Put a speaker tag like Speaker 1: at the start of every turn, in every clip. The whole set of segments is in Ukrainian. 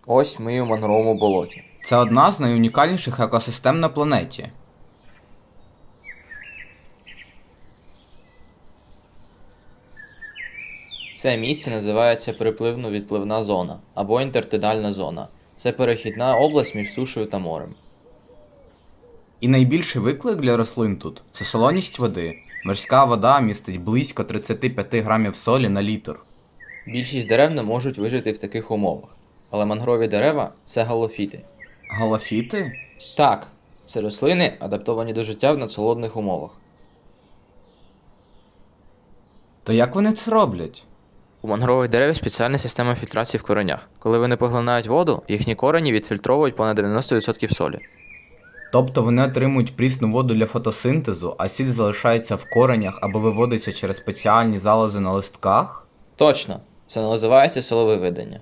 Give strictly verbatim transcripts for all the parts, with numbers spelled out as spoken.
Speaker 1: Ось ми у мангровому болоті.
Speaker 2: Це одна з найунікальніших екосистем на планеті.
Speaker 1: Це місце називається припливно-відпливна зона або інтертидальна зона. Це перехідна область між сушею та морем.
Speaker 2: І найбільший виклик для рослин тут – це солоність води. Морська вода містить близько тридцять п'ять грамів солі на літр.
Speaker 1: Більшість дерев не можуть вижити в таких умовах. Але мангрові дерева – це галофіти.
Speaker 2: Галофіти?
Speaker 1: Так, це рослини, адаптовані до життя в надсолодних умовах.
Speaker 2: То як вони це роблять?
Speaker 1: У мангрових дерев спеціальна система фільтрації в коренях. Коли вони поглинають воду, їхні корені відфільтровують понад дев'яносто відсотків солі.
Speaker 2: Тобто вони отримують прісну воду для фотосинтезу, а сіль залишається в коренях або виводиться через спеціальні залози на листках?
Speaker 1: Точно, це називається соловивидення.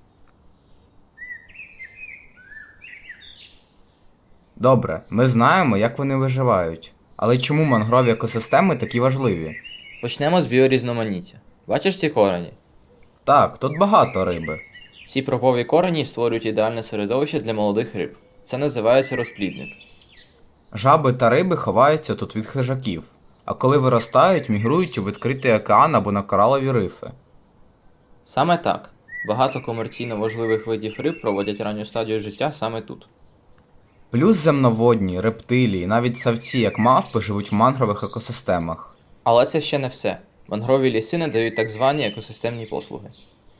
Speaker 2: Добре, ми знаємо, як вони виживають. Але чому мангрові екосистеми такі важливі?
Speaker 1: Почнемо з біорізноманіття. Бачиш ці корені?
Speaker 2: Так, тут багато риби.
Speaker 1: Ці пропові корені створюють ідеальне середовище для молодих риб. Це називається розплідник.
Speaker 2: Жаби та риби ховаються тут від хижаків, а коли виростають, мігрують у відкритий океан або на коралові рифи.
Speaker 1: Саме так. Багато комерційно важливих видів риб проводять ранню стадію життя саме тут.
Speaker 2: Плюс земноводні, рептилії, навіть савці, як мавпи, живуть в мангрових екосистемах.
Speaker 1: Але це ще не все. Мангрові ліси надають так звані екосистемні послуги.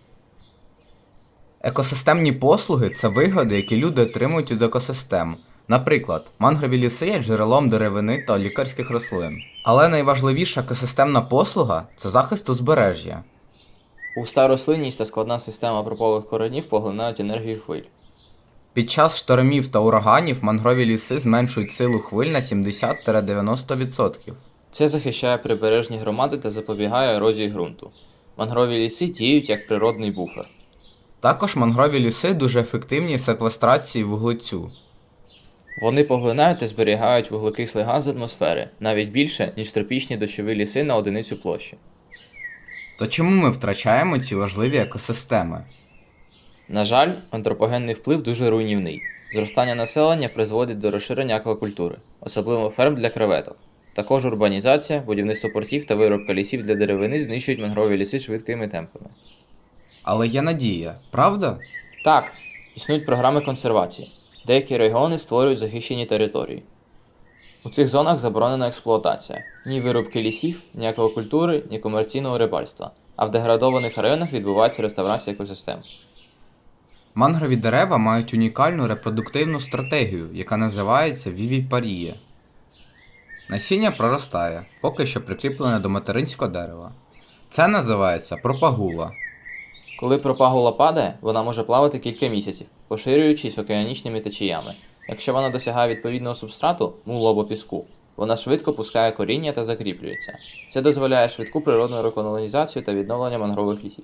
Speaker 2: Екосистемні послуги – це вигоди, які люди отримують від екосистем. Наприклад, мангрові ліси є джерелом деревини та лікарських рослин. Але найважливіша екосистемна послуга – це захист узбережжя.
Speaker 1: Густа рослинність та складна система пропових коренів поглинають енергію хвиль.
Speaker 2: Під час штормів та ураганів мангрові ліси зменшують силу хвиль на сімдесят - дев'яносто відсотків.
Speaker 1: Це захищає прибережні громади та запобігає ерозії ґрунту. Мангрові ліси діють як природний буфер.
Speaker 2: Також мангрові ліси дуже ефективні в секвестрації вуглецю.
Speaker 1: Вони поглинають та зберігають вуглекислий газ з атмосфери, навіть більше, ніж тропічні дощові ліси на одиницю площі.
Speaker 2: То чому ми втрачаємо ці важливі екосистеми?
Speaker 1: На жаль, антропогенний вплив дуже руйнівний. Зростання населення призводить до розширення аквакультури, особливо ферм для креветок. Також урбанізація, будівництво портів та виробка лісів для деревини знищують мангрові ліси швидкими темпами.
Speaker 2: Але є надія, правда?
Speaker 1: Так, існують програми консервації. Деякі регіони створюють захищені території. У цих зонах заборонена експлуатація. Ні вирубки лісів, ні аквакультури, ні комерційного рибальства. А в деградованих районах відбувається реставрація екосистем.
Speaker 2: Мангрові дерева мають унікальну репродуктивну стратегію, яка називається вівіпарія. Насіння проростає, поки що прикріплене до материнського дерева. Це називається пропагула.
Speaker 1: Коли пропагула падає, вона може плавати кілька місяців, поширюючись океанічними течіями. Якщо вона досягає відповідного субстрату, мулу або піску, вона швидко пускає коріння та закріплюється. Це дозволяє швидку природну реколонізацію та відновлення мангрових лісів.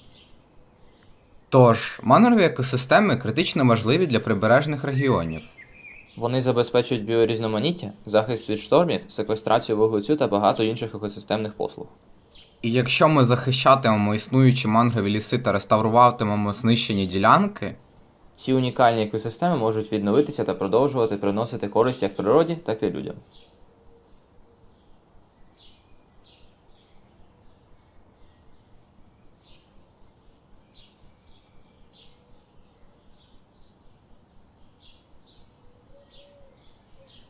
Speaker 2: Тож, мангрові екосистеми критично важливі для прибережних регіонів.
Speaker 1: Вони забезпечують біорізноманіття, захист від штормів, секвестрацію вуглецю та багато інших екосистемних послуг.
Speaker 2: І якщо ми захищатимемо існуючі мангрові ліси та реставруватимемо знищені ділянки,
Speaker 1: Ці унікальні екосистеми можуть відновитися та продовжувати приносити користь як природі, так і людям.